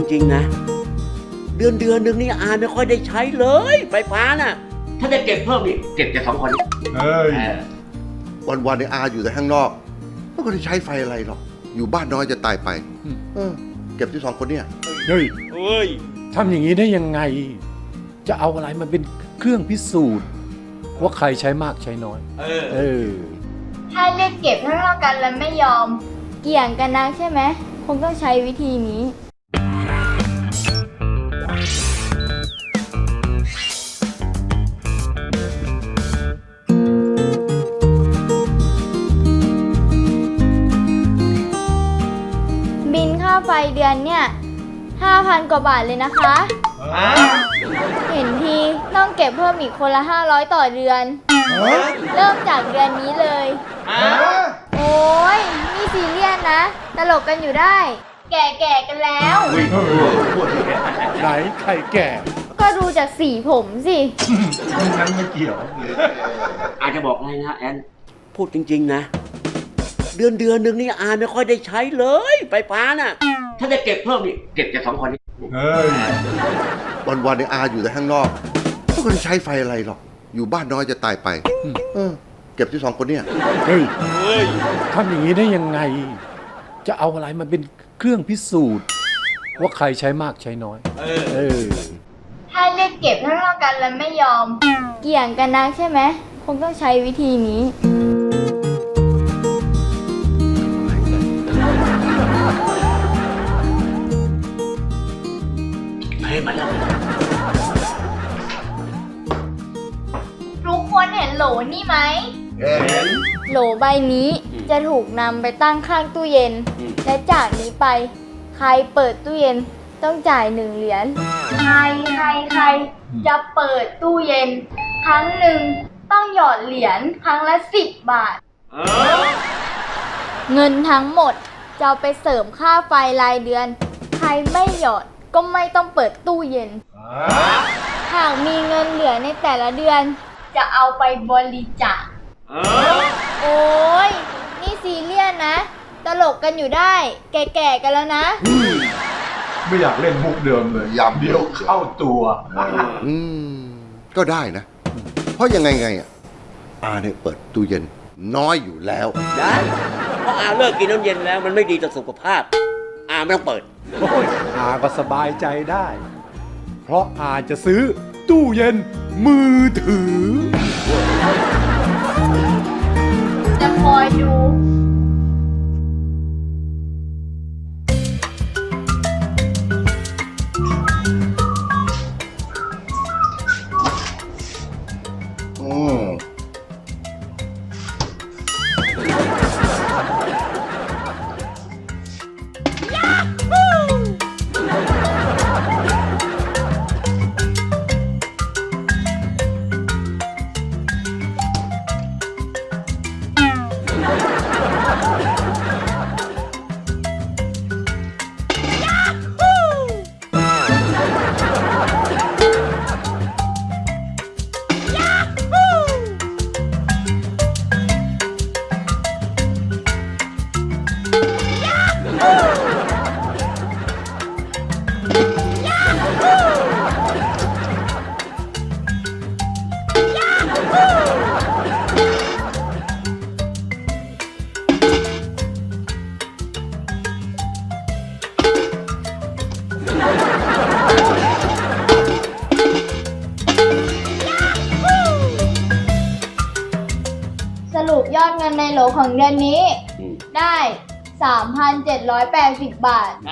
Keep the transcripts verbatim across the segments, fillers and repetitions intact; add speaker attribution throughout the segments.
Speaker 1: ริงๆนะเดือนเดือนหนึ่งนี่อาไม่ค่อยได้ใช้เลยไฟฟ้าน่ะถ้าจะเก็บเพิ่มอีกเก็บจากสองคนนี้เฮ้ย
Speaker 2: วันวันในอาอยู่แต่ข้างนอกไม่ได้ใช้ไฟอะไรหรอกอยู่บ้านน้อยจะตายไปเออเก็บที่สองคนเนี่ย
Speaker 3: เฮ้ยเฮ้ยทำอย่างนี้ได้ยังไงจะเอาอะไรมาเป็นเครื่องพิสูจน์ว่าใครใช้มากใช้น้อยเออเออ
Speaker 4: ถ้าเรียกเก็บเท่าๆกันแล้วไม่ยอมเกี่ยงกันนะใช่ไหมคงต้องใช้วิธีนี้บินค่าไฟเดือนเนี่ย ห้าพัน กว่าบาทเลยนะคะเห็นทีต้องเก็บเพิ่มอีกคนละห้าร้อยต่อเดือนเริ่มจากเดือนนี้เลยโอ้ยนี่ซีเรียสนะตลกกันอยู่ได้แก่ๆกันแล้ว
Speaker 3: ไหนใครแก่
Speaker 4: ก็ดูจากสีผมสิ
Speaker 3: นั้นไม่เกี่ยว
Speaker 1: อาจจะบอกอะไรนะแอนพูดจริงๆนะเดือนเดือนหนึ่งนี่อาไม่ค่อยได้ใช้เลยไฟฟ้าน่ะถ้าจะเก็บเพิ่มอีกเก็บจากสองคนนี้เฮ้ย
Speaker 2: วันวันในอาอยู่แต่ข้างนอกไม่ได้ใช้ไฟอะไรหรอกอยู่บ้านน้อยจะตายไปเออเก็บที่สองคนเนี่ย
Speaker 3: เฮ้ยเฮ้ยทำอย่างนี้ได้ยังไงจะเอาอะไรมาเป็นเครื่องพิสูจน์ว่าใครใช้มากใช้น้อยเออเออ
Speaker 4: ถ้าเรียกเก็บเท่าๆกันแล้วไม่ยอมเกี่ยงกันนะใช่ไหมคงต้องใช้วิธีนี้
Speaker 1: มาแล้ว
Speaker 4: ทุกคนเห็นโหลนี่ไหมเห็นโหลใบนี้จะถูกนำไปตั้งข้างตู้เย็นและจากนี้ไปใครเปิดตู้เย็นต้องจ่ายหนึ่งเหรียญใครใครใครจะเปิดตู้เย็นครั้งหนึ่งต้องหยอดเหรียญครั้งละสิบบาทเงินทั้งหมดจะเอาไปเสริมค่าไฟรายเดือนใครไม่หยอดก็ไม่ต้องเปิดตู้เย็นหากมีเงินเหลือในแต่ละเดือนจะเอาไปบริจาคโอ้ยนี่ซีเรียสนะตลกกันอยู่ได้แก่ๆกันแล้วนะ
Speaker 3: ไม่อยากเล่นมุกเดิมเลยยามเดียวเข้าตัว
Speaker 2: อืมก็ได้นะเพราะยังไงไงอ่ะอาเนี่ยเปิดตู้เย็นน้อยอยู่แล้ว
Speaker 1: ได้เพราะอาเลิกกินน้ำเย็นแล้วมันไม่ดีต่อสุขภาพอาไม่ต้องเปิด
Speaker 3: โอ้ยอาก็สบายใจได้เพราะอาจะซื้อตู้เย็นมือถือ
Speaker 4: จะคอยดู
Speaker 2: อืม
Speaker 4: สรุปยอดเงินในโหลของเดือนนี้ได้ สามพันเจ็ดร้อยแปดสิบ บาท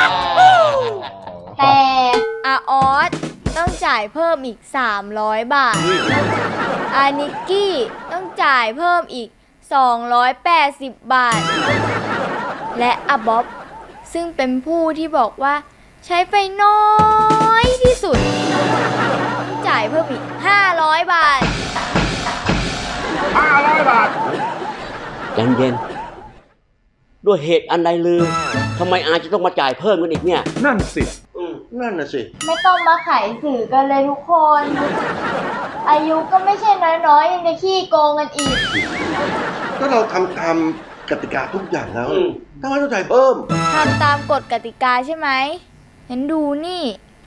Speaker 4: แต่อาออสต้องจ่ายเพิ่มอีกสามร้อยบาทอานิกกี้ต้องจ่ายเพิ่มอีกสองร้อยแปดสิบบาทและอาบ๊อบซึ่งเป็นผู้ที่บอกว่าใช้ไฟน้อยที่สุดต้องจ่ายเพิ่มอีกห้าร้อยบาท
Speaker 3: ห้าร้อยบาท
Speaker 1: เย็นๆด้วยเหตุอันใดลือทำไมอาจะต้องมาจ่ายเพิ่มกันอีกเนี่ย
Speaker 3: นั่นสิ
Speaker 2: นั่นน่ะสิ
Speaker 4: ไม่ต้องมาขายสื่อกันเลยทุกคนอายุก็ไม่ใช่น้อยๆยังจะขี้โกงกันอีก
Speaker 2: ก็เราทำตามกติกาทุกอย่างแล้วทำไมต้องจ่ายเพิ่ม
Speaker 4: ทำตามกฎกติกาใช่ไหมเห็นดูนี่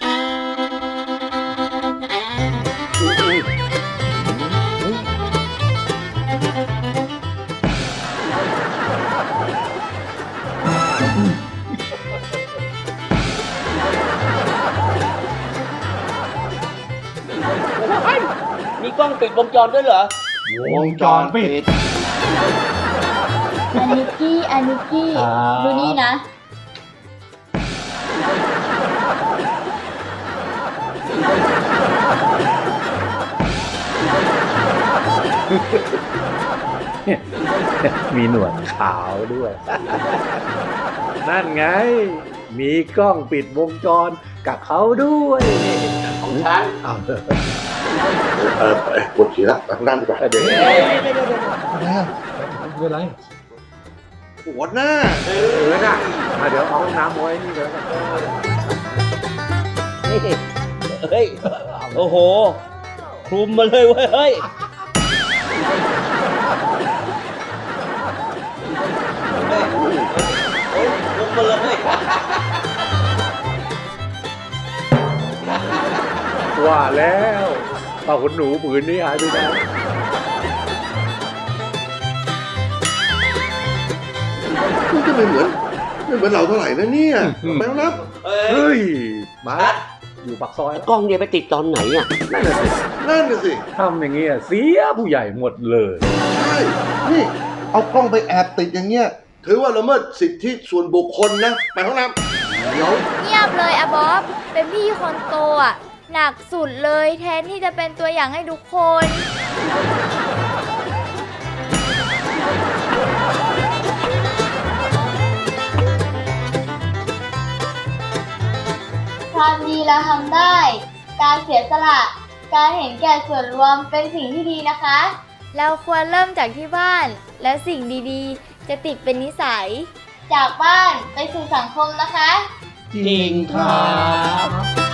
Speaker 1: มีกล้องติดวงจรด้วยเหรอ
Speaker 3: วงจรปิด
Speaker 4: อานิกกี้อานิกกี้
Speaker 3: ครับ
Speaker 4: ดูนี่นะ
Speaker 3: มีหนวดขาวด้วย นั่นไง มีกล้องปิดวงจรกับเขาด้วย
Speaker 1: ของฉัน
Speaker 3: เอาเถอะ
Speaker 2: เออไปปวดฉี่ละไปข้างด้านดีกว่า
Speaker 3: เดี๋ยว
Speaker 1: เอ้ยเดี๋ยวเดี๋ยวเดี๋ยว
Speaker 3: ไม่เป็นไร
Speaker 2: ปวดหน้า
Speaker 3: เออน่ะมาเดี๋ยวเอาห้องน้ำไว้นี่เดี๋ยวกัน
Speaker 1: นี่เฮ้ย โอ้โห คลุมมาเลยเว้ย เฮ้ย เฮ้ยเฮ้ยคลุมมาเลย
Speaker 3: ว่าแล้วป้าขนหนูผืนนี้หายไปไหน
Speaker 2: มันก็ไม่เหมือนไม่เหมือนเราเท่าไหร่นะเนี่ยไปแล้วนะ
Speaker 3: เฮ้ย มาแล้วอยู่ปากซอยแล้ว
Speaker 1: กล้องเนี่ยไปติดตอนไหนอ่ะ
Speaker 2: นั่นน่ะสินั่นน่ะสิ
Speaker 3: ทำอย่างเงี้ยเสียผู้ใหญ่หมดเลย
Speaker 2: ใช่นี่เอากล้องไปแอบติดอย่างเงี้ยถือว่าละเมิดสิทธิส่วนบุคคลนะไปห้องน้ำเดี๋ยว
Speaker 4: เงียบเลยอะบ๊อบ เป็นพี่คนโตอะหนักสุดเลยแทนที่จะเป็นตัวอย่างให้ทุกคน ความดีเราทำได้ การเสียสละ การเห็นแก่ส่วนรวมเป็นสิ่งที่ดีนะคะ เราควรเริ่มจากที่บ้าน และสิ่งดีๆ จะติดเป็นนิสัย จากบ้านไปสู่สังคมนะคะ
Speaker 3: จริงครับ